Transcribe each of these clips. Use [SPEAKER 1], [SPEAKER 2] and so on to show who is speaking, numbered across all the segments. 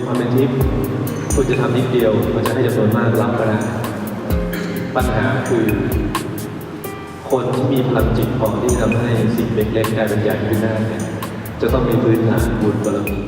[SPEAKER 1] มีความเป็นทิพย์คุณจะทำนิดเดียวมันจะให้จำนวนมากรับก็ได้ปัญหาคือคนที่มีพลังจิตพอที่ทำให้สิ่งเล็กๆกลายเป็นใหญ่ขึ้นได้เนี่ยจะต้องมีพื้นฐานบุญบารมี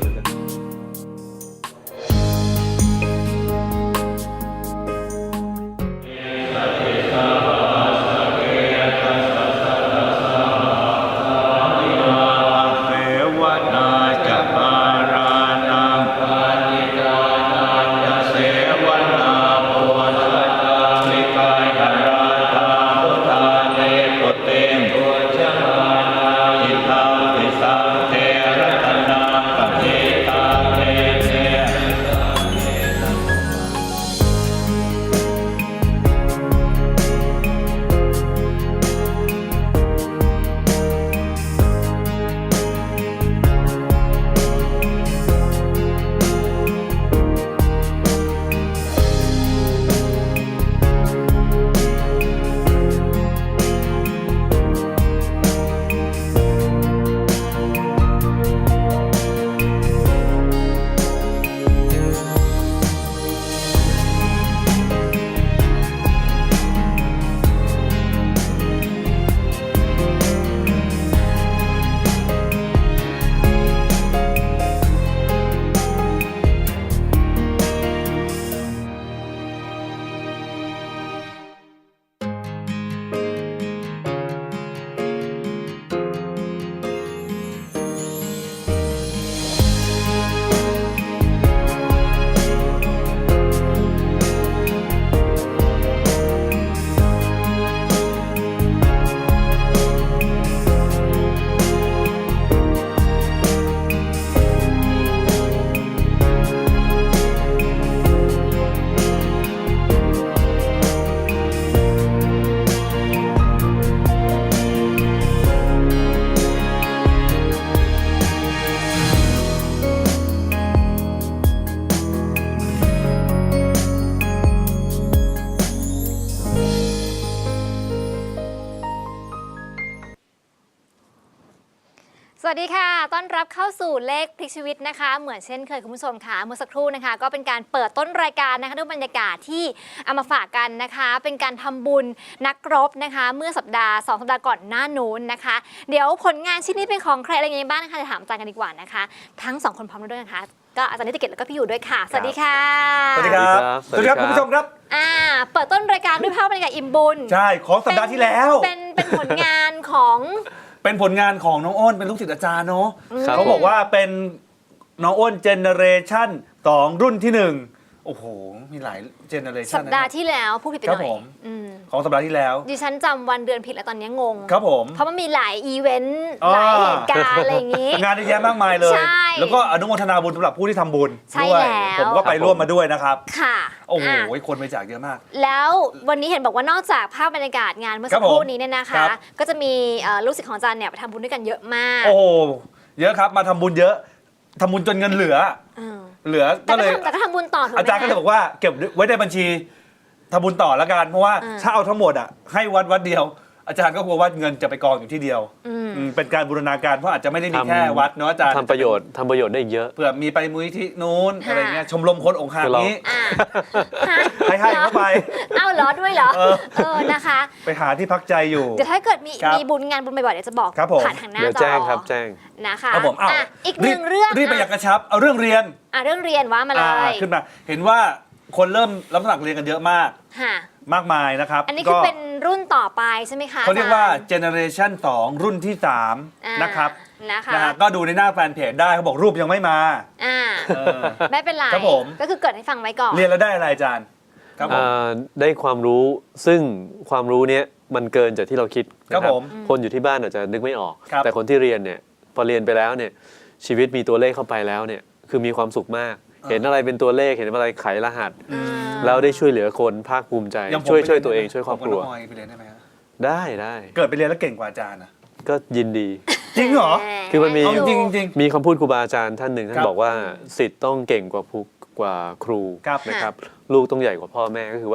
[SPEAKER 2] สวัสดีค่ะต้อนรับเข้าสู่เลขพลิกชีวิตนะคะเหมือนเช่นเคยคุณผู้ชมค่ะเมื่อสักครู่นะคะก็เป็นการเปิดต้นรายการนะคะด้วยบรรยากาศที่เอามาฝากกันนะคะเป็นการทำบุญนักรบนะคะเมื่อสัปดาห์2 สัปดาห์ก่อนหน้านู้นนะคะเดี๋ยวผลงานชิ้นนี้เป็นของใครอะไรยังไงบ้างนะคะจะถามอาจารย์กันดีกว่านะคะทั้ง2 คนพร้อมด้วยนะคะก็อาจารย์นิติเกตแล้วก็พี่อยู่ด้วยค่ะสวัสดีค่ะ
[SPEAKER 3] สวัสดีครับสวัสดีครับคุณผู้ชมครับ
[SPEAKER 2] เปิดต้นรายการด้วยภาพบรรยากาศอิ่มบุญ
[SPEAKER 3] ใช่ของสัปดาห์ที่แล้ว
[SPEAKER 2] เป็นผลงานของ
[SPEAKER 3] เป็นผลงานของน้องอ้นเป็นลูกศิษย์อาจารย์เนาะเขาบอกว่าเป็นน้องอ้นเจเนเรชั่น2รุ่นที่1โอ้โหมีหลายเจเนเรชั่น
[SPEAKER 2] สัปดาห์ที่แล้วพูดผิดไปหน่อย
[SPEAKER 3] ของสัปดาห์ที่แล้ว
[SPEAKER 2] ดิฉันจำวันเดือนผิดแล้วตอนนี้งง
[SPEAKER 3] ครับผม
[SPEAKER 2] เพราะมันมีหลายอีเวนต์หลายเหตุการณ์อะไรอย่างนี้
[SPEAKER 3] งานเยอะแยะมากมายเลยแล้วก็อนุโมทนาบุญสำหรับผู้ที่ทำบุญด้วยผมก็ไปร่วมมาด้วยนะครับ
[SPEAKER 2] ค่ะ
[SPEAKER 3] โอ้โหคนไปจากเยอะมาก
[SPEAKER 2] แล้ววันนี้เห็นบอกว่านอกจากภาพบรรยากาศงานเมื่อสักครู่นี้เนี่ยนะคะก็จะมีลูกศิษย์ของอาจารย์เนี่ยไปทำบุญด้วยกันเยอะมาก
[SPEAKER 3] โอ้เยอะครับมาทำบุญเยอะทำบุญจนเงินเหลือก็เลย
[SPEAKER 2] แต่ก็ทำบุญต่อถูกไหม
[SPEAKER 3] อาจารย์ก็เลยบอกว่าเก็บไว้ในบัญชีทำบุญต่อแล้วกันเพราะว่าถ้าเอาทั้งหมดอ่ะให้วัดเดียวอาจารย์ก็กลัวว่าเงินจะไปกองอยู่ที่เดียวเป็นการบูรณาการเพราะอาจจะไม่ได้มีแค่วัดเนาะอาจารย์
[SPEAKER 4] ทำประโยชน์ได้เยอะ
[SPEAKER 3] เผื่อมีไปมูลนิธินู้นอะไรเงี้ยชมรมคนองค์หานี้ให้เข้าไป
[SPEAKER 2] เอาเหรอด้วยเหรอนะคะ
[SPEAKER 3] ไปหาที่พักใจอยู่
[SPEAKER 2] เดี๋ยวถ้าเกิดมีบุญงานบุญบ่อยๆเดี๋ยวจะบอกผ่านทางหน้าจอ
[SPEAKER 4] แจ้งครับแจ้ง
[SPEAKER 2] นะคะ
[SPEAKER 3] ครับผม
[SPEAKER 2] อีกหนึ่งเรื่อง
[SPEAKER 3] รีบไปอยากกระชับเอาเรื่องเรียน
[SPEAKER 2] ว่ามาเลย
[SPEAKER 3] ขึ้นมาเห็นว่าคนเริ่มรับสมัครเรียนกันเยอะมากมากมายนะครับ
[SPEAKER 2] อันนี้คือเป็นรุ่นต่อไปใช่ไหมคะ
[SPEAKER 3] เขาเรียกว่าเจเนเรชั่น2รุ่นที่3นะครับก็ดูในหน้าแฟนเพจได้เขาบอกรูปยังไม่มา
[SPEAKER 2] ไม่เป็นไรก็คือเกิดให้ฟังไว้ก่อน
[SPEAKER 3] เรียนแล้วได้อะไรอาจารย์ครับผม
[SPEAKER 4] ได้ความรู้ซึ่งความรู้เนี้ยมันเกินจากที่เราคิด
[SPEAKER 3] ครับผม
[SPEAKER 4] คนอยู่ที่บ้านอาจจะนึกไม่ออกแต่คนที่เรียนเนี่ยพอเรียนไปแล้วเนี่ยชีวิตมีตัวเลขเข้าไปแล้วเนี่ยคือมีความสุขมากเห็นอะไรเป็นตัวเลขเห็นอะไรไขรหัสแล้วได้ช่วยเหลือคนภาคภูมิใจช่วยตัวเองช่วยครอบครัว
[SPEAKER 3] ไปเรียนได้ไหมครับ
[SPEAKER 4] ได้
[SPEAKER 3] เกิดไปเรียนแล้วเก่งกว่าอาจารย์นะ
[SPEAKER 4] ก็ยินดี
[SPEAKER 3] จริงเหรอ
[SPEAKER 4] คือมันมี
[SPEAKER 3] จริง
[SPEAKER 4] มีคำพูดครูบาอาจารย์ท่านหนึ่งท่านบอกว่าศิษย์ต้องเก่งกว่าครูนะครับลูกต้องใหญ่กว่าพ่อแม่ก็คือว่า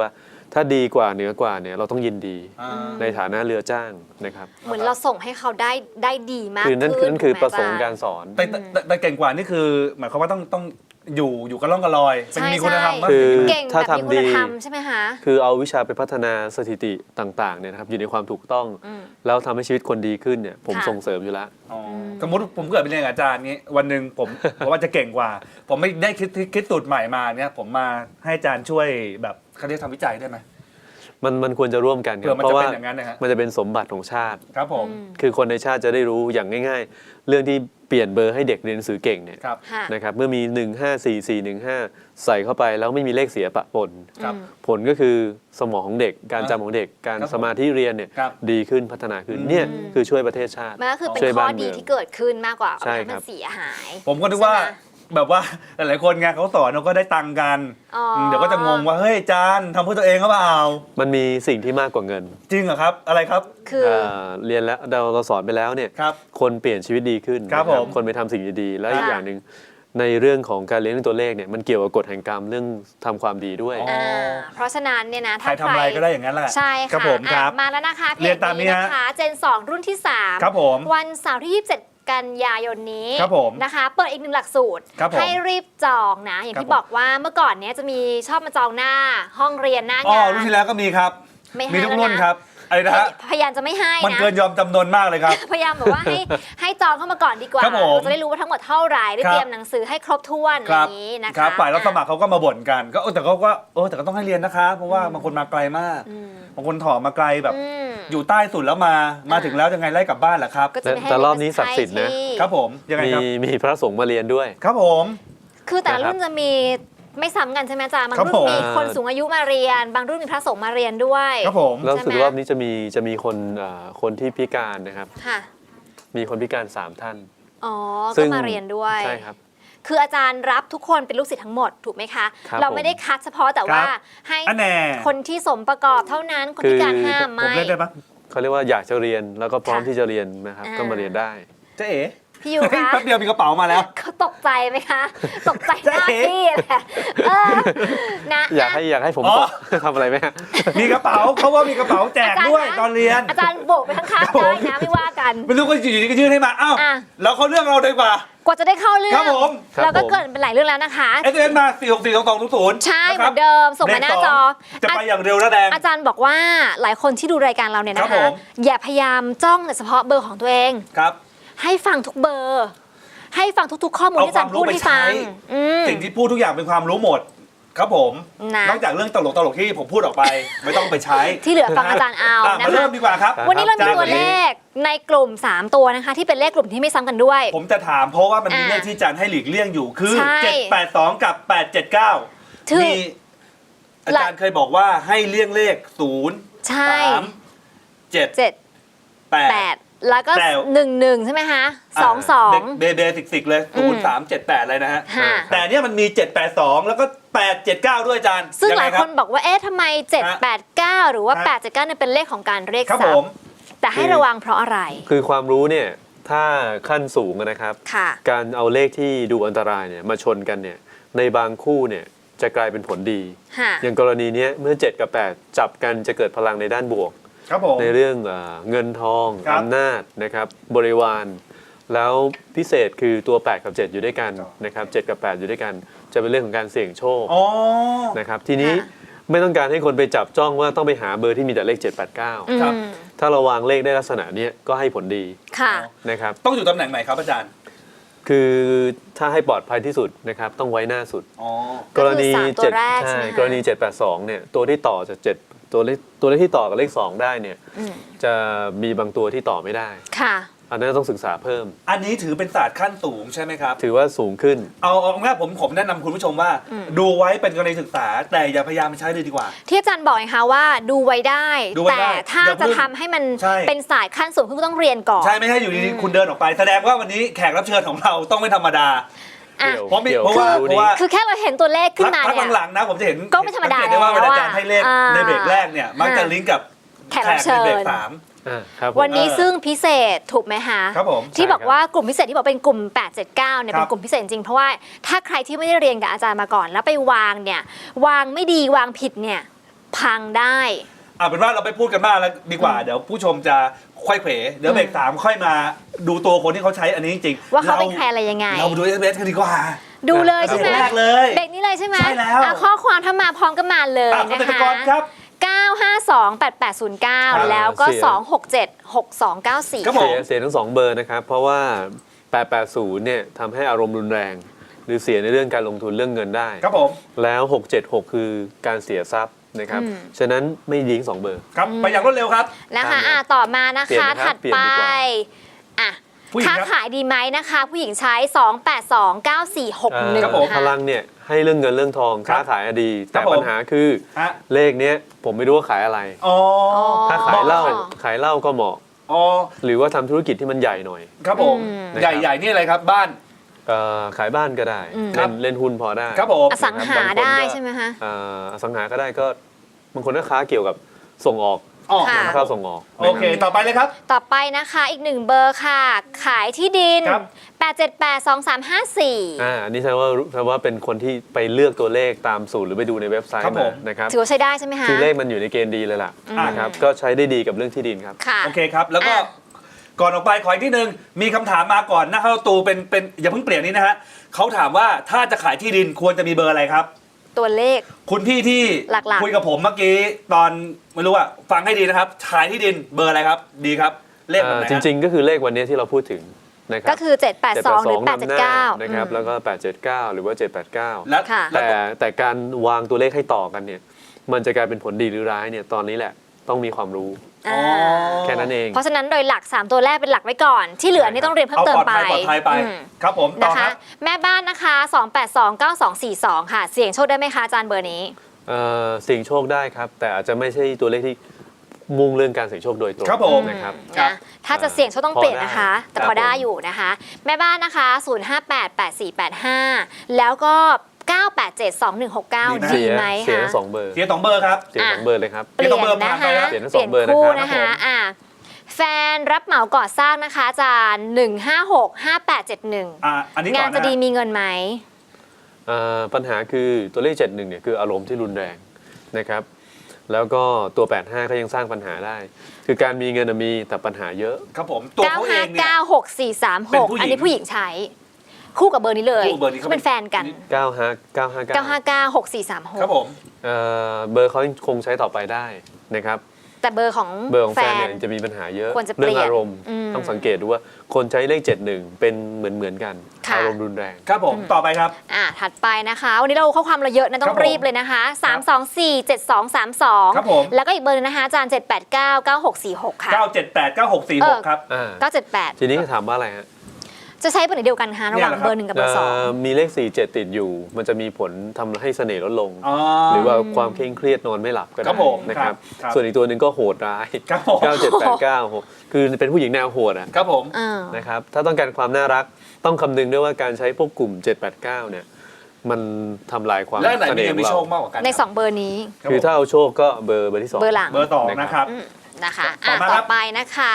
[SPEAKER 4] ถ้าดีกว่าเหนือกว่าเนี่ยเราต้องยินดี
[SPEAKER 3] อ่า
[SPEAKER 4] ในฐานะเรือจ้างนะครับ
[SPEAKER 2] เหมือนเราส่งให้เขาได้ดีมาก
[SPEAKER 4] คือนั่น
[SPEAKER 2] ขึ้น
[SPEAKER 4] คือ
[SPEAKER 2] ถู
[SPEAKER 4] ป
[SPEAKER 2] กไหม
[SPEAKER 4] ระสงค์
[SPEAKER 2] อจ
[SPEAKER 4] การสอน
[SPEAKER 3] แต่เก่งกว่านี่คือ หมายความว่าต้องอยู่กับร่องกับรอยเป็น
[SPEAKER 2] ใช่
[SPEAKER 3] มีคุณธรรม
[SPEAKER 2] ใช่
[SPEAKER 3] มาก
[SPEAKER 4] คือ
[SPEAKER 2] เก่ง
[SPEAKER 4] ถ้า
[SPEAKER 2] แบบมี
[SPEAKER 4] ทำ
[SPEAKER 2] คุณ
[SPEAKER 4] ดี
[SPEAKER 2] ธรรมใช่ไหมคะ
[SPEAKER 4] คือเอาวิชาไปพัฒนาสถิติต่างๆเนี่ยนะครับอยู่ในความถูกต้อง แล้วทำให้ชีวิตคนดีขึ้นเนี่ยผม
[SPEAKER 2] ค่ะ
[SPEAKER 4] ส่งเสริมอยู่แล้ว
[SPEAKER 3] อ๋อสมมติผมเกิดเป็นเรียนกับอาจารย์นี้วันหนึ่งผม ผมว่าจะเก่งกว่า ผมไม่ได้คิดสูตรใหม่มาเนี่ยผมมาให้อาจารย์ช่วยแบบเขาเรียกทำวิจัยได้ไหม
[SPEAKER 4] มันควรจะร่วมกันค
[SPEAKER 3] เผื่
[SPEAKER 4] รั
[SPEAKER 3] อบ มัน
[SPEAKER 4] เพ
[SPEAKER 3] จะ
[SPEAKER 4] ราะว่า
[SPEAKER 3] เป็นอย่างนั้นนะฮะ
[SPEAKER 4] มันจะเป็นสมบัติของชาติ
[SPEAKER 3] ครับผม
[SPEAKER 4] คือคนในชาติจะได้รู้อย่างง่ายๆ เรื่องที่เปลี่ยนเบอร์ให้เด็กเรียนหนังสือเก่งเนี่ย
[SPEAKER 3] ครับ
[SPEAKER 2] ค่ะ
[SPEAKER 4] นะครับเมื่อมี 154415 ใส่เข้าไปแล้วไม่มีเลขเสียปะปน
[SPEAKER 3] ครับ
[SPEAKER 4] ผลก็คือสมองของเด็กการจำของเด็กการ
[SPEAKER 3] ครับผม
[SPEAKER 4] สมาธิเรียนเนี่ย
[SPEAKER 3] ครับ
[SPEAKER 4] ดีขึ้นพัฒนาขึ้นเนี่ยคือช่วยประเทศชาติ
[SPEAKER 2] มันก็คือเป็น
[SPEAKER 4] ช่วย
[SPEAKER 2] ข้อ
[SPEAKER 4] บ้าน
[SPEAKER 2] ดี
[SPEAKER 4] เมือง
[SPEAKER 2] ที่เกิดขึ้นมากกว่า
[SPEAKER 4] ใช่
[SPEAKER 2] เอาให้
[SPEAKER 4] ครั
[SPEAKER 2] มัน
[SPEAKER 4] บ
[SPEAKER 2] เสียหาย
[SPEAKER 3] ผมก็นึกว่า
[SPEAKER 2] ใช่ไหม
[SPEAKER 3] แบบว่าหลายๆคนไงเขาสอนเราก็ได้ตังค์กัน
[SPEAKER 2] อ๋อ
[SPEAKER 3] เดี๋ยวก็จะงงว่าเฮ้ยอาจารย์ทำเพื่อตัวเองหรือเปล่า
[SPEAKER 4] มันมีสิ่งที่มากกว่าเงิน
[SPEAKER 3] จริงเหรอครับ อะไรครับ
[SPEAKER 2] คือ
[SPEAKER 4] เรียนแล้วเราสอนไปแล้วเนี่ย
[SPEAKER 3] ครับ
[SPEAKER 4] คนเปลี่ยนชีวิตดีขึ้น
[SPEAKER 3] ครับ
[SPEAKER 4] นะ
[SPEAKER 3] ผม
[SPEAKER 4] คนไปทำสิ่งดีๆแล้วอีก
[SPEAKER 2] ค่ะ
[SPEAKER 4] อย่างหนึ่งในเรื่องของการเรียนเรื่องตัวเลขเนี่ยมันเกี่ยวกับกฎแห่งกรรมเรื่องทำความดีด้วย
[SPEAKER 3] อ๋อ
[SPEAKER 2] เพราะฉะนั้นเนี่ยนะ
[SPEAKER 3] ใครทำอะไรก็ได้อย่างนั้นแหละ
[SPEAKER 2] ใช่
[SPEAKER 3] ครั
[SPEAKER 2] ค่ะ
[SPEAKER 3] บผมครับ
[SPEAKER 2] มาแล้วนะคะเพ
[SPEAKER 3] เรีย
[SPEAKER 2] จ
[SPEAKER 3] นตามนี้
[SPEAKER 2] นี้
[SPEAKER 3] ฮะ
[SPEAKER 2] นะคะเจน 2 รุ่นที่ 3
[SPEAKER 3] ครับผม
[SPEAKER 2] วันเสาร์ที่ 27 กันยายนนี้
[SPEAKER 3] ครับผม
[SPEAKER 2] นะคะ เปิดอีกหนึ่งหลักสูตร
[SPEAKER 3] ครับผม
[SPEAKER 2] ให้รีบจองนะ อย่าง
[SPEAKER 3] ครับ
[SPEAKER 2] ที่บอกว่าเมื่อก่อนเนี้ยจะมีชอบมาจองหน้าห้องเรียนหน้า
[SPEAKER 3] อ๋อง
[SPEAKER 2] าน
[SPEAKER 3] รุ่นที่แล้วก็มีครับ
[SPEAKER 2] ไม่ให้
[SPEAKER 3] มีทุก
[SPEAKER 2] แล้ว
[SPEAKER 3] รุ่น
[SPEAKER 2] นะครับ
[SPEAKER 3] อะไรนะฮะ
[SPEAKER 2] พยายามจะไม่ให้
[SPEAKER 3] มัน
[SPEAKER 2] นะ
[SPEAKER 3] เกินยอมจำนนมากเลยครับ
[SPEAKER 2] พยายามแบบว่าให้จองเข้ามาก่อนดีกว่า
[SPEAKER 3] ครับผม
[SPEAKER 2] เราจะได้รู้ว่าทั้งหมดเท่าไหร่ได้
[SPEAKER 3] ครับ
[SPEAKER 2] เตรียมหนังสือให้ครบถ้วนอ
[SPEAKER 3] ครับ
[SPEAKER 2] ย่างนี้นะคะ
[SPEAKER 3] ครับฝ่ายรับสมัครเขาก็มาบ่นกันก็แต่เขาก็แต่ก็ต้องให้เรียนนะคะเพราะว่าบางคนมาไกลมากบางคนถอมาไกลแบบ
[SPEAKER 2] อืม
[SPEAKER 3] อยู่ใต้สุดแล้วมาถึงแล้วยังไงไล่กลับบ้านล่ะครับ
[SPEAKER 2] ก็จะไม่ให้
[SPEAKER 4] แต่รอบนี้ศักดิ์สิทธิ์นะ
[SPEAKER 2] ใช่ที่
[SPEAKER 3] ครับผมยังไง
[SPEAKER 4] มี
[SPEAKER 3] ครับ
[SPEAKER 4] มีพระสงฆ์มาเรียนด้วย
[SPEAKER 3] ครับผม
[SPEAKER 2] คือแต่ละ
[SPEAKER 4] นะครับ
[SPEAKER 2] รุ่นจะมีไม่ซ้ำกันใช่ไหมอาจารย์บาง
[SPEAKER 3] ครับ
[SPEAKER 2] รุ่น
[SPEAKER 3] ผม
[SPEAKER 2] มีคนสูงอายุมาเรียน บางรุ่นมีพระสงฆ์มาเรียนด้วย
[SPEAKER 3] ครับผม
[SPEAKER 4] แล้ว
[SPEAKER 2] ใช่ไหม
[SPEAKER 4] รู้สึกรอบนี้จะมีคนที่พิการนะครับ
[SPEAKER 2] ค่ะ
[SPEAKER 4] มีคนพิการ 3 ท่าน
[SPEAKER 2] อ๋อ
[SPEAKER 4] ซึ่
[SPEAKER 2] ก็
[SPEAKER 4] ง
[SPEAKER 2] มาเรียนด้วย
[SPEAKER 4] ใช่ครับ
[SPEAKER 2] คืออาจารย์รับทุกคนเป็นลูกศิษย์ทั้งหมดถูกไหมคะ
[SPEAKER 4] ครับ
[SPEAKER 2] เราไม่ได้คัดเฉพาะแต่ว่าให้
[SPEAKER 3] อันแน่
[SPEAKER 2] คนที่สมประกอบเท่านั้นคนพิการห้าม
[SPEAKER 3] ผม
[SPEAKER 2] ไม่
[SPEAKER 3] เล่นได้ปะ
[SPEAKER 4] เขาเรียกว่าอยากจะเรียนแล้วก็พร้อม
[SPEAKER 2] ค่ะ
[SPEAKER 4] ที่จะเรียนนะครับ
[SPEAKER 2] อ่า
[SPEAKER 4] ก็มาเรียนได้
[SPEAKER 3] เจ๊เอ๋
[SPEAKER 2] พี่ยู
[SPEAKER 3] เฮ้ย
[SPEAKER 2] คะ
[SPEAKER 3] แป๊บเดียวมีกระเป๋ามาแล้ว
[SPEAKER 2] เขาตกใจไหมคะ ตกใจหน้าพี่แหละเออนะ
[SPEAKER 4] อยากให้ผม
[SPEAKER 3] อ๋อ
[SPEAKER 4] ตอบทำอะไรไหมฮะ
[SPEAKER 3] มีกระเป๋าเขาว่ามีกระเป๋าแจกด้วยตอนเรียน
[SPEAKER 2] อาจารย์โบกไปข้างๆได้นะไม่ว่ากัน
[SPEAKER 3] ไม่รู้ก็อยู่ดีก็ยื่นให้มาอ้าว
[SPEAKER 2] อ่ะ
[SPEAKER 3] แล้วเขาเลือกเราดีกว่า
[SPEAKER 2] กว่าจะได้เข้าเรื่
[SPEAKER 3] ครั
[SPEAKER 2] อบ ง
[SPEAKER 3] ผม
[SPEAKER 4] ครับ
[SPEAKER 2] เราก็
[SPEAKER 4] ผม
[SPEAKER 2] เกิดเป็นหลายเรื่องแล้วนะคะ
[SPEAKER 3] SMS มา 4642200
[SPEAKER 2] ใช่เหมือนเดิมส่งมาหน้าจอ
[SPEAKER 3] จะไปอย่างเร็วและแรง
[SPEAKER 2] อาจารย์บอกว่าหลายคนที่ดูรายการเราเนี่ย
[SPEAKER 3] ครั
[SPEAKER 2] นะ
[SPEAKER 3] บผ
[SPEAKER 2] คะ
[SPEAKER 3] ม
[SPEAKER 2] อย่าพยายามจ้องแต่เฉพาะเบอร์ของตัวเอง
[SPEAKER 3] ครับ
[SPEAKER 2] ให้ฟังทุกเบอร์ ให้ฟังทุกๆข้อมูลที่อาจารย์พูดให้ฟังอืม
[SPEAKER 3] สิ่งที่พูดทุกอย่างเป็นความรู้หมด ครับผม
[SPEAKER 2] นะ
[SPEAKER 3] นอกจากเรื่องตลกที่ผมพูดออกไป ไม่ต้องไปใช้
[SPEAKER 2] ที่เหลือฟังอาจารย์เอา
[SPEAKER 3] อ่ะ
[SPEAKER 2] นะ
[SPEAKER 3] มาเริ่
[SPEAKER 2] คะ
[SPEAKER 3] มดีกว่าครับ
[SPEAKER 2] วันนี้เรามี
[SPEAKER 3] อจ
[SPEAKER 2] ตัว
[SPEAKER 3] ย์
[SPEAKER 2] เลขในกลุ่ม 3 ตัวนะคะ ที่เป็นเลขกลุ่มที่ไม่ซ้ำกันด้วย
[SPEAKER 3] ผมจะถามเพราะว่ามันมี
[SPEAKER 2] อ่ะ
[SPEAKER 3] เลขที่อาจารย์ให้หลีกเลี่ยงอยู่คือ
[SPEAKER 2] ใช่
[SPEAKER 3] 782 กับ 879
[SPEAKER 2] ถึง
[SPEAKER 3] มีอาจารย์เคยบอกว่าให้เลี่ยงเลข 0
[SPEAKER 2] ใช่
[SPEAKER 3] 3 7
[SPEAKER 2] 7
[SPEAKER 3] 8
[SPEAKER 2] 8 แล้วก็
[SPEAKER 3] แต่
[SPEAKER 2] 1 1 ใช่ไหมคะ2
[SPEAKER 3] เบสิกเลย 0 3 7 8เลยนะฮะ
[SPEAKER 2] 2ค่ะ
[SPEAKER 3] แต่เนี่ยมันมี 782 แล้วก็ 879 ด้วยอาจารย์
[SPEAKER 2] ซึ่ง
[SPEAKER 3] ยั
[SPEAKER 2] ห
[SPEAKER 3] ไ
[SPEAKER 2] ลายคนบอกว่าเอ๊ะทำไม 789 หรือว่า
[SPEAKER 3] ฮะ
[SPEAKER 2] 879เนี่ยเป็นเลขของการเรียก
[SPEAKER 3] ครับ
[SPEAKER 2] ทรั
[SPEAKER 3] ผ
[SPEAKER 2] พ
[SPEAKER 3] ม
[SPEAKER 2] ย์แต่ให้ระวังเพราะอะไร
[SPEAKER 4] คือความรู้เนี่ยถ้าขั้นสูงนะครับ
[SPEAKER 2] ค่ะ
[SPEAKER 4] การเอาเลขที่ดูอันตรายเนี่ยมาชนกันเนี่ยในบางคู่เนี่ยจะกลายเป็นผลดี
[SPEAKER 2] ค่ะ
[SPEAKER 4] อย่างกรณีเนี้ยเมื่อ 7 กับ 8 จับกันจะเกิดพลังในด้านบวก
[SPEAKER 3] ครับผม
[SPEAKER 4] ในเรื่องเงินทอง
[SPEAKER 3] ครับ
[SPEAKER 4] อำนาจนะครับบริวาร แล้วพิเศษคือตัว 8 กับ 7 อยู่ด้วยกันนะครับ7กับ 8 อยู่ด้วยกัน จะเป็นเรื่องของการเสี่ยงโชค
[SPEAKER 3] อ๋อ
[SPEAKER 4] นะครับทีนี้
[SPEAKER 2] ค่ะ
[SPEAKER 4] ไม่ต้องการให้คนไปจับจ้องว่าต้องไปหาเบอร์ที่มีแต่เลข
[SPEAKER 2] อื
[SPEAKER 3] ครับ
[SPEAKER 2] ม
[SPEAKER 4] 789 ถ้าเราวางเลขได้ลักษณะเนี้ยก็ให้ผลดี
[SPEAKER 2] ค่ะ
[SPEAKER 4] นะครับ
[SPEAKER 3] ต้องอยู่ตำแหน่งไหนครับอาจารย์
[SPEAKER 4] คือถ้าให้ปลอดภัยที่สุดนะครับต้องไว้หน้าสุด
[SPEAKER 3] อ๋อ
[SPEAKER 2] ก็
[SPEAKER 4] ก
[SPEAKER 2] คือ
[SPEAKER 4] รณี
[SPEAKER 2] สามตัวแรกใช่
[SPEAKER 4] ใช่
[SPEAKER 2] ไหมคะ
[SPEAKER 4] กรณี 782เนี่ยตัวที่ต่อจาก7ตัวเลขที่ต่อกับเลข 2 ได้เนี่ย
[SPEAKER 2] อืม
[SPEAKER 4] จะมีบางตัวที่ต่อไม่ได้
[SPEAKER 2] ค่ะ
[SPEAKER 4] อันนั้นต้องศึกษาเพิ่ม
[SPEAKER 3] อันนี้ถือเป็นศาสตร์ขั้นสูงใช่ไหมครับ
[SPEAKER 4] ถือว่าสูงขึ้น
[SPEAKER 3] เอาง่ายผมแนะนำคุณผู้ชมว่า ดูไว้เป็นกรณีศึกษา แต่อย่าพยายามไปใช้เลยดีกว่า
[SPEAKER 2] ที่อาจารย์บอกไงคะว่าดูไว้ได้
[SPEAKER 3] ดูไว้
[SPEAKER 2] แต่
[SPEAKER 3] ได้
[SPEAKER 2] ถ้า
[SPEAKER 3] อย่าเพิ่
[SPEAKER 2] จะ
[SPEAKER 3] ง
[SPEAKER 2] ทำให้มัน
[SPEAKER 3] ใช่
[SPEAKER 2] เป็นสายขั้นสูงคุณก็ต้องเรียนก่อน
[SPEAKER 3] ใช่ไม่ใช่อยู่ดีๆคุณเดินออกไป แสดงว่าวันนี้แขกรับเชิญของเราต้องไม่ธรรมดา
[SPEAKER 2] อ่ะ
[SPEAKER 3] เพราะมี
[SPEAKER 4] เกี่ยว
[SPEAKER 3] เพราะว่า
[SPEAKER 4] รู้
[SPEAKER 3] เพ
[SPEAKER 4] นี้
[SPEAKER 3] ราะว่า
[SPEAKER 2] คือแค่เราเห็นตัวเลขขึ้นมา
[SPEAKER 3] พัก
[SPEAKER 2] เนี่ย
[SPEAKER 3] หลังๆนะผมจะเห็น
[SPEAKER 2] ก็ไม่ธรรมดา
[SPEAKER 3] สังเกตได้ว่าเวลาอาจารย์
[SPEAKER 2] แล้วอะ
[SPEAKER 3] ให้เลข
[SPEAKER 2] อ่า
[SPEAKER 3] ในเบรกแรกเนี่ยมักจะลิงก์กับ
[SPEAKER 2] แขกรับเชิ
[SPEAKER 3] ในเบร
[SPEAKER 2] ญ
[SPEAKER 3] ก3
[SPEAKER 4] ครับผม
[SPEAKER 2] วันนี้ซึ่งพิเศษถูกไหมคะ
[SPEAKER 3] ครับผม
[SPEAKER 2] ที่
[SPEAKER 4] ใช่
[SPEAKER 2] บอกว่ากลุ่มพิเศษที่บอกเป็นกลุ่ม 879 เนี่ย
[SPEAKER 3] ครับ
[SPEAKER 2] เป็นกลุ่มพิเศษจริงเพราะว่าถ้าใครที่ไม่ได้เรียนกับอาจารย์มาก่อน แล้วไปวางเนี่ยวางไม่ดีวางผิดเนี่ยพังได้
[SPEAKER 3] เป็นว่าเราไปพูดกันมากแล้วดีกว่า เดี๋ยวผู้ชมจะค่อยเผลเดี๋ยวเบรก3ค่อยมาดูตัวคนที่เขาใช้อันนี้จริงๆ
[SPEAKER 2] ว่าเขาเป็นใครอะไรยังไง
[SPEAKER 3] เราดู SMS กันดีกว่า
[SPEAKER 2] ดูเลยใช่ไหม
[SPEAKER 3] แรกเลย
[SPEAKER 2] เบรกนี้เลยใช่ไหม
[SPEAKER 3] ใช่แล้ว
[SPEAKER 2] ข้อความถ้ามาพร้อมกันมาเลย
[SPEAKER 3] เก
[SPEAKER 2] นะ
[SPEAKER 3] ษตร
[SPEAKER 2] คะ
[SPEAKER 3] กรครับ
[SPEAKER 2] 9528809 แล้วก็
[SPEAKER 4] เสีย
[SPEAKER 2] 2676294
[SPEAKER 3] ครับผม
[SPEAKER 4] เสียทั้ง 2 เบอร์นะครับ เพราะว่า 880 เนี่ยทำให้อารมณ์รุนแรง หรือเสียในเรื่องการลงทุนเรื่องเงินได้
[SPEAKER 3] ครับผม
[SPEAKER 4] แล้ว 676 คือการเสียทรัพย์นะครับ ฉะนั้นไม่ดีทั้ง2เบอร์
[SPEAKER 3] ครับไปอย่างรวดเร็วครับ
[SPEAKER 2] นะคะ
[SPEAKER 4] ตามนั้น
[SPEAKER 2] ต่อมานะ
[SPEAKER 4] เปลี่ย
[SPEAKER 2] คะ
[SPEAKER 4] นนะครับ
[SPEAKER 2] ถัด
[SPEAKER 4] เปลี่ย
[SPEAKER 2] ไป
[SPEAKER 4] นดีกว่า
[SPEAKER 2] อ่ะ
[SPEAKER 3] ผู้หญิง
[SPEAKER 2] ค้า
[SPEAKER 3] ครับ
[SPEAKER 2] ขายดีไหมนะคะ ผู้หญิงใช้ 2829461
[SPEAKER 3] ครับผม
[SPEAKER 4] พลังเนี่ยให้เรื่องเงินเรื่องทอง
[SPEAKER 3] ครับ
[SPEAKER 4] ค้าขายอะดี
[SPEAKER 3] ครั
[SPEAKER 4] แต่
[SPEAKER 3] บผม
[SPEAKER 4] ปัญหาคือ
[SPEAKER 3] ฮะ
[SPEAKER 4] เลขเนี้ยผมไม่รู้ว่าขายอะไร
[SPEAKER 3] อ๋อ
[SPEAKER 4] ถ้าขายเหล้าก็เหมาะ
[SPEAKER 3] อ๋อ
[SPEAKER 4] หรือว่าทำธุรกิจที่มันใหญ่หน่อย
[SPEAKER 3] ครับผม
[SPEAKER 4] นะครับ
[SPEAKER 3] ใหญ่ๆนี่อะไรครับบ้าน
[SPEAKER 4] ขายบ้านก็ได้
[SPEAKER 3] ครับ
[SPEAKER 4] เล่นหุ้นพอได้
[SPEAKER 3] ครับผม
[SPEAKER 2] อสังหาได้ใช่ไหมคะ
[SPEAKER 4] อสังหาก็ได้ก็บางคนก็ค้าเกี่ยวกับส่งออก
[SPEAKER 3] อ๋อ
[SPEAKER 2] ค่ะ
[SPEAKER 4] เข้าส่งออก
[SPEAKER 3] โอเคต่อไปเลยครับ
[SPEAKER 2] ต่อไปนะคะอีก1เบอร์ค่ะ ขายที่ดิน
[SPEAKER 3] ครับ
[SPEAKER 2] 8782354
[SPEAKER 4] อันนี้แสดงว่าเป็นคนที่ไปเลือกตัวเลขตามสูตรหรือไปดูในเว็บไซ
[SPEAKER 3] ครั
[SPEAKER 4] ต์
[SPEAKER 3] บผม
[SPEAKER 4] มานะครับ
[SPEAKER 2] ถือว่าใช้ได้ใช่ไหมคะ
[SPEAKER 4] คือเลขมันอยู่ในเกณฑ์ดีเลยล่ะนะครับก็ใช้ได้ดีกับเรื่องที่ดินครับ
[SPEAKER 2] ค่ะ
[SPEAKER 3] โอเคครับ แล้วก็
[SPEAKER 2] อ่ะ
[SPEAKER 3] ก่อนออกไปขออีกนิดนึงมีคำถามมาก่อนหน้าเข้าตูเป็นอย่าเพิ่งเปลี่ยนนี้นะฮะเขาถามว่าถ้าจะขายที่ดินควรจะมีเบอร์อะไรครับ
[SPEAKER 2] ตัวเลข
[SPEAKER 3] คุณพี่ที่
[SPEAKER 2] หลักๆ
[SPEAKER 3] คุยกับผมเมื่อกี้ตอนไม่รู้อะฟังให้ดีนะครับขายที่ดินเบอร์อะไรครับ ดีครับ เลขแบบไหน
[SPEAKER 4] จริงๆก็คือเลขวันนี้ที่เราพูดถึงนะครั
[SPEAKER 2] ก็คือ 782 หรือ
[SPEAKER 4] นำหน้า
[SPEAKER 2] 879
[SPEAKER 4] นะครับแล้วก็ 879 หรือว่า 789
[SPEAKER 3] แล้ว
[SPEAKER 2] ค่ะ
[SPEAKER 3] แล้วก็
[SPEAKER 4] แต่การวางตัวเลขให้ต่อกันเนี่ยมันจะกลายเป็นผลดีหรือร้ายเนี่ยตอนนี้แหละต้องมีความรู้
[SPEAKER 2] อ่า
[SPEAKER 4] แค่นั้นเอง
[SPEAKER 2] เพราะฉะนั้นโดยหลัก 3 ตัวแรกเป็นหลักไว้ก่อน ที่เหลือนี่ต้องเรียนเพิ่ม
[SPEAKER 3] เอา
[SPEAKER 2] เติ
[SPEAKER 3] ป
[SPEAKER 2] ม
[SPEAKER 3] ลอด
[SPEAKER 2] ไป
[SPEAKER 3] ภัยไป
[SPEAKER 2] อืม
[SPEAKER 3] ครับผมต่อ
[SPEAKER 2] นะ
[SPEAKER 3] ค
[SPEAKER 2] คะ
[SPEAKER 3] รับ
[SPEAKER 2] แม่บ้านนะคะ 2829242 ค่ะ เสี่ยงโชคได้ไหมคะอาจารย์เบอร์นี้
[SPEAKER 4] เสี่ยงโชคได้ครับ แต่อาจจะไม่ใช่ตัวเลขที่มุ่งเรื่องการเสี่ยงโชคโดยตรง
[SPEAKER 3] ครับผม
[SPEAKER 4] นะครับ
[SPEAKER 2] นะถ้าจะเสี่ยงโชคต้องเปลี่ยนนะคะ แต่พอได้
[SPEAKER 4] ครับผม
[SPEAKER 2] อยู่นะคะ แม่บ้านนะคะ 0588485 แล้วก็ 9872169
[SPEAKER 3] ดี
[SPEAKER 2] ดี
[SPEAKER 3] ไหม
[SPEAKER 2] ไหม
[SPEAKER 4] เสีย
[SPEAKER 2] คะ
[SPEAKER 4] ทั้งสองเบอร์
[SPEAKER 3] เสีย2 เบอร์ครับ
[SPEAKER 4] เสียสองเบอร์เลยครับ
[SPEAKER 2] เปลี่ยน
[SPEAKER 3] เบอร์
[SPEAKER 2] นะ
[SPEAKER 3] ผ่านไป
[SPEAKER 2] คะ
[SPEAKER 3] ครับ
[SPEAKER 4] เปลี่ยนทั้ง
[SPEAKER 2] เปลี่ยน
[SPEAKER 4] สองเบอร์เลย
[SPEAKER 2] คู่
[SPEAKER 4] ครับ
[SPEAKER 2] นะคะแฟนรับเหมาก่อสร้างนะคะอาจารย์1565871
[SPEAKER 3] อันนี้ก่
[SPEAKER 2] งา
[SPEAKER 3] อน น
[SPEAKER 2] จะ
[SPEAKER 3] นะ
[SPEAKER 2] ดีมีเงินไหม
[SPEAKER 4] ปัญหาคือตัวเลข 71เนี่ยคืออารมณ์ที่รุนแรงนะครับแล้วก็ตัว 85 ก็ยังสร้างปัญหาได้ คือการมีเงินน่ะมีแต่ปัญหาเยอะ
[SPEAKER 3] ครับผมตัวเขาเองเนี่ย เป็นผู้หญิง
[SPEAKER 2] 9596436 อันนี้ผู้หญิงใช้ คู่กับเบอร์นี้เลย
[SPEAKER 3] คู่กับเบอร์นี้
[SPEAKER 2] เขาเป็นแฟนกัน
[SPEAKER 4] 959
[SPEAKER 3] ครับ
[SPEAKER 2] 9596436
[SPEAKER 3] ผม
[SPEAKER 4] เบอร์เขาคงใช้ต่อไปได้นะครับ
[SPEAKER 2] แต่เบอร์ของ
[SPEAKER 4] เบอร์ของ
[SPEAKER 2] แฟ
[SPEAKER 4] แฟน
[SPEAKER 2] น
[SPEAKER 4] เนี่ยจะมีปัญหาเยอะ
[SPEAKER 2] ควรจะเปลี่
[SPEAKER 4] เรื่
[SPEAKER 2] ยน
[SPEAKER 4] อารมณ์
[SPEAKER 2] อืม
[SPEAKER 4] ต้องสังเกตดูว่าคนใช้เลข 71 เป็นเหมือนกัน
[SPEAKER 2] ค่ะ
[SPEAKER 4] อารมณ์รุนแรง
[SPEAKER 3] ครับผมต่อไปครับ
[SPEAKER 2] ถัดไปนะคะ วันนี้เราข้อความเราเยอะนะต้อ
[SPEAKER 3] ครั
[SPEAKER 2] ง
[SPEAKER 3] บผม
[SPEAKER 2] รีบเลยนะคะ 3247232
[SPEAKER 3] ครับผม
[SPEAKER 2] แล้วก็อีกเบอร์นึงนะคะอาจารย์7899646 ค่ะ
[SPEAKER 3] 9789646 ครับ
[SPEAKER 2] 978
[SPEAKER 4] ทีนี้ถามว่าอะไรฮะ
[SPEAKER 2] จะใช้เบอร์ไหนเดียวกันคะระหว่าง
[SPEAKER 3] เนี่ยเหรอครับ
[SPEAKER 2] เบอร์หนึ่งกับเบอร์สอง
[SPEAKER 4] มีเลข 47 ติดอยู่ มันจะมีผลทำให้เสน่ห์ลดลง
[SPEAKER 3] อ๋อ
[SPEAKER 4] หรือว่าความเคร่งเครียดนอนไม่หลับก็
[SPEAKER 3] ครั
[SPEAKER 4] ได้
[SPEAKER 3] บผม
[SPEAKER 4] นะครับ
[SPEAKER 3] ครับ
[SPEAKER 4] ส่วนอีกตัวหนึ่งก็โหดร้าย
[SPEAKER 3] ครับผม
[SPEAKER 4] 9789คือเป็นผู้หญิงแนวโหดอะ
[SPEAKER 3] ครับผม
[SPEAKER 4] นะครับถ้าต้องการความน่ารักต้องคำนึงด้วยว่าการใช้พวกกลุ่ม 789 เนี่ยมันทำลายความ
[SPEAKER 3] แล้วอันไหน
[SPEAKER 4] เส
[SPEAKER 3] มี
[SPEAKER 4] น่ห์
[SPEAKER 3] เงิน
[SPEAKER 4] ขอ
[SPEAKER 3] มี
[SPEAKER 4] ง
[SPEAKER 3] โช
[SPEAKER 4] เรา
[SPEAKER 3] คมากกว่ากัน
[SPEAKER 2] ใน
[SPEAKER 3] ครับ
[SPEAKER 2] 2 เบอร์นี้
[SPEAKER 4] คือถ้าเอาโชคก็เบอร์ที่สอง
[SPEAKER 2] เบอร์หลัง
[SPEAKER 3] เบอร์2นะครับ
[SPEAKER 2] นะคะ
[SPEAKER 3] ต่อมาครับ
[SPEAKER 2] ต่อไปนะคะ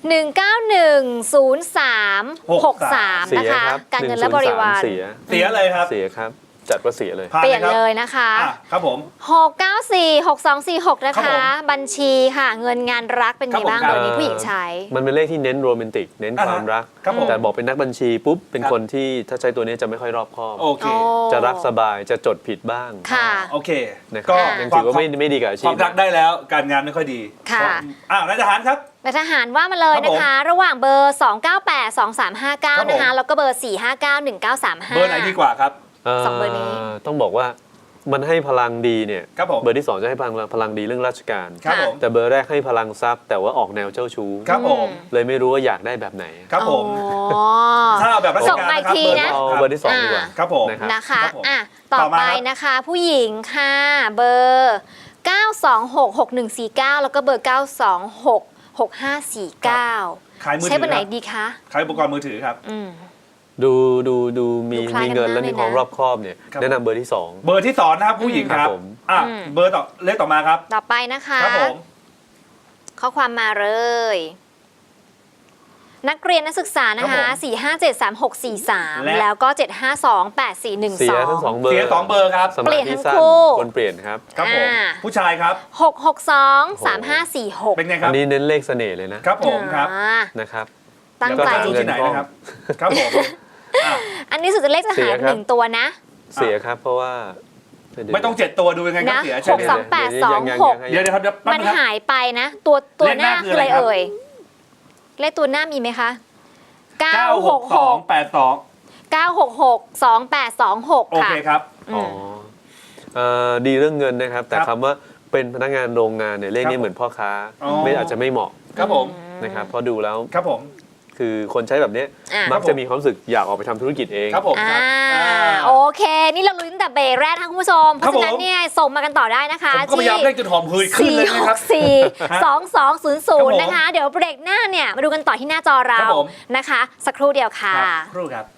[SPEAKER 2] 1910363
[SPEAKER 4] เสี
[SPEAKER 2] นะ
[SPEAKER 4] ย
[SPEAKER 2] คะ
[SPEAKER 4] ครับ
[SPEAKER 2] การเงินและบริวาร
[SPEAKER 4] 103เสีย
[SPEAKER 3] เสียเลยครับ
[SPEAKER 4] เสียครับ จัดว่าเสียเลย
[SPEAKER 3] ผ่าน
[SPEAKER 2] เปลี่ยน
[SPEAKER 3] ครับ
[SPEAKER 2] เลยนะคะ
[SPEAKER 3] ครับผม
[SPEAKER 2] 6946246 นะ
[SPEAKER 3] ครั
[SPEAKER 2] คะ
[SPEAKER 3] บผม
[SPEAKER 2] บัญชีค่ะ เงินงานรักเป็นไงบ้าง
[SPEAKER 3] ครับผม
[SPEAKER 2] เบอร์นี้ผู้หญิงใช้
[SPEAKER 4] มันเป็นเลขที่เน้นโรแมนติก เน้นความรัก
[SPEAKER 3] ครับผม
[SPEAKER 4] แต่บอกเป็นนักบัญชีปุ๊บ เป็น
[SPEAKER 3] ครับ
[SPEAKER 4] คนที่ถ้าใช้ตัวนี้จะไม่ค่อยรอบคอบ
[SPEAKER 3] โอเค
[SPEAKER 2] โอ้
[SPEAKER 4] จะรักสบาย จะจดผิดบ้าง
[SPEAKER 2] ค่ะ
[SPEAKER 3] โอเค
[SPEAKER 4] นะค
[SPEAKER 3] ก็
[SPEAKER 4] รับยังถือว่าไม่ดีกับอา
[SPEAKER 3] ค
[SPEAKER 4] ชี
[SPEAKER 3] วา
[SPEAKER 4] พ
[SPEAKER 3] มรักได้แล้วการงานไม่ค่อยดี
[SPEAKER 2] ค่ะ
[SPEAKER 3] นายทหารครับ
[SPEAKER 2] นายทหารว่ามาเลยนะคะ ระหว่างเบอร์ 2982359 นะคะ แล้วก็เบอร์ 4591935
[SPEAKER 3] เบอร์ไหนดีกว่าครับ
[SPEAKER 2] สองเบอร์นี้
[SPEAKER 4] ต้องบอกว่ามันให้พลังดีเนี่ย
[SPEAKER 3] ครับผม
[SPEAKER 4] เบอร์ที่ 2 จะให้พลังดีเรื่องราชการ
[SPEAKER 3] ครับผม
[SPEAKER 4] แต่เบอร์แรกให้พลังทรัพย์ แต่ว่าออกแนวเจ้าชู้
[SPEAKER 3] ครับผม
[SPEAKER 4] เลยไม่รู้ว่าอยากได้แบบไหน
[SPEAKER 3] ครับผม
[SPEAKER 2] อ๋อ
[SPEAKER 3] ถ้าเอาแบบราช
[SPEAKER 2] ส่ง
[SPEAKER 3] การ
[SPEAKER 2] มา
[SPEAKER 3] นะครับ
[SPEAKER 2] อีกทีนะ
[SPEAKER 4] เอาเบอร์ที่ 2 ดีกว่า
[SPEAKER 3] ครับผม
[SPEAKER 4] นะครับ
[SPEAKER 2] นะคะ
[SPEAKER 3] ครับผม
[SPEAKER 2] ต่อ
[SPEAKER 3] ต่อมา
[SPEAKER 2] ไป
[SPEAKER 3] ครับ
[SPEAKER 2] นะคะ ผู้หญิงค่ะ เบอร์ 9266149 แล้วก็เบอร์ 9266549
[SPEAKER 3] ขายมือ
[SPEAKER 2] ใช้
[SPEAKER 3] ถื
[SPEAKER 2] เบอร์ไหน
[SPEAKER 3] ครับ
[SPEAKER 2] ดีคะ
[SPEAKER 3] ขายอุปกรณ์มือถือครับ
[SPEAKER 4] ดูมี
[SPEAKER 2] ดูคล้ายกัน
[SPEAKER 4] เงิน
[SPEAKER 2] มาก
[SPEAKER 4] และมีความ
[SPEAKER 2] เลยนะ
[SPEAKER 4] รอบคอบเนี่ย
[SPEAKER 3] ครับ
[SPEAKER 4] แนะนำเบอร์ที่
[SPEAKER 3] เบอร์ที่2นะครับผู้หญิงครับ
[SPEAKER 4] ครับผม
[SPEAKER 3] เบอร์ต่อเลขต่อมาครับ
[SPEAKER 2] ต่อไปนะคะ
[SPEAKER 3] ครับผม
[SPEAKER 2] ข้อความมาเลยนักเรียนนักศึกษานะคะ 4573643 แล้วก็ 7528412
[SPEAKER 4] เสียทั้ง2 เบอร์
[SPEAKER 3] เสีย2 เบอร์ครับ
[SPEAKER 4] สมาธิสั้นคนเปลี่ยนครับ
[SPEAKER 3] ครับผมผู้ชายครับ
[SPEAKER 2] 6623546
[SPEAKER 3] เป็นไงค
[SPEAKER 4] อั
[SPEAKER 3] รับ
[SPEAKER 4] นนี้เน้นเลขเสน่ห์เลยนะครับ
[SPEAKER 3] ผมครับ
[SPEAKER 4] นะครับ
[SPEAKER 2] ตั้ง
[SPEAKER 3] แล้ว
[SPEAKER 2] ใจ
[SPEAKER 3] ก็จะดูที่ไหนนะครับ ครับผมอ่ะ
[SPEAKER 2] อันนี้สุดจะเลขจะ
[SPEAKER 4] เสี
[SPEAKER 2] หาย
[SPEAKER 4] ยครับ
[SPEAKER 2] 1 ตัวนะ
[SPEAKER 4] เสียครับเพราะว่า
[SPEAKER 3] ไม่ต้อง7 ตัวดูยังไงครับ
[SPEAKER 2] นะ
[SPEAKER 3] เสียใช่ไหม
[SPEAKER 2] 62826
[SPEAKER 3] เดี๋ยวครับเดี๋ยวแป๊บ
[SPEAKER 2] มัน
[SPEAKER 3] นึงครับ
[SPEAKER 2] หายไปนะ ตัว
[SPEAKER 3] เลข
[SPEAKER 2] ห
[SPEAKER 3] หน้า
[SPEAKER 2] น้า
[SPEAKER 3] คื
[SPEAKER 2] คือ อ
[SPEAKER 3] อะ
[SPEAKER 2] อะไร ไร
[SPEAKER 3] ครับ
[SPEAKER 2] เอ่ย เลขตัวหน้ามีไหมคะ
[SPEAKER 3] 96282
[SPEAKER 2] 9662826
[SPEAKER 3] โอ
[SPEAKER 2] ค่ะ
[SPEAKER 3] เคครับ
[SPEAKER 4] อ๋อดีเรื่องเงินนะครับ แต่
[SPEAKER 3] ครับ
[SPEAKER 4] คำว่าเป็นพนักงานโรงงานเนี่ยเลข
[SPEAKER 3] ครั
[SPEAKER 4] นี้
[SPEAKER 3] บ
[SPEAKER 4] เหมือนพ่อค้า
[SPEAKER 3] อ๋อ
[SPEAKER 4] ไม่อาจจะไม่เหมาะ
[SPEAKER 3] ครับผม
[SPEAKER 4] นะครับเพราะดูแล้ว
[SPEAKER 3] ครับผม
[SPEAKER 4] คือคนใช้แบบเนี้ย
[SPEAKER 2] อ่ะ
[SPEAKER 4] มักจะมีความรู้สึกอยากออกไปทำธุรกิจเอง
[SPEAKER 3] ครับผมครับ
[SPEAKER 2] โอเค นี่เราลุ้นตั้งแต่เบรกแรกทั้งคุณผู้ชม เพ
[SPEAKER 3] ครับ
[SPEAKER 2] ราะฉะนั้นเนี่ยส่งมากันต่อได้นะคะ
[SPEAKER 3] ผมก็พยายามเร่งจนหอมหืดขึ้นเลยนะครับ
[SPEAKER 2] 4642200 นะคะ เดี๋ยวเบรกหน้าเนี่ยมาดูกันต่อที่หน้าจอเรา
[SPEAKER 3] ครับผม
[SPEAKER 2] นะคะ สักครู่เดียวค่ะ
[SPEAKER 3] ครับครู่ครับ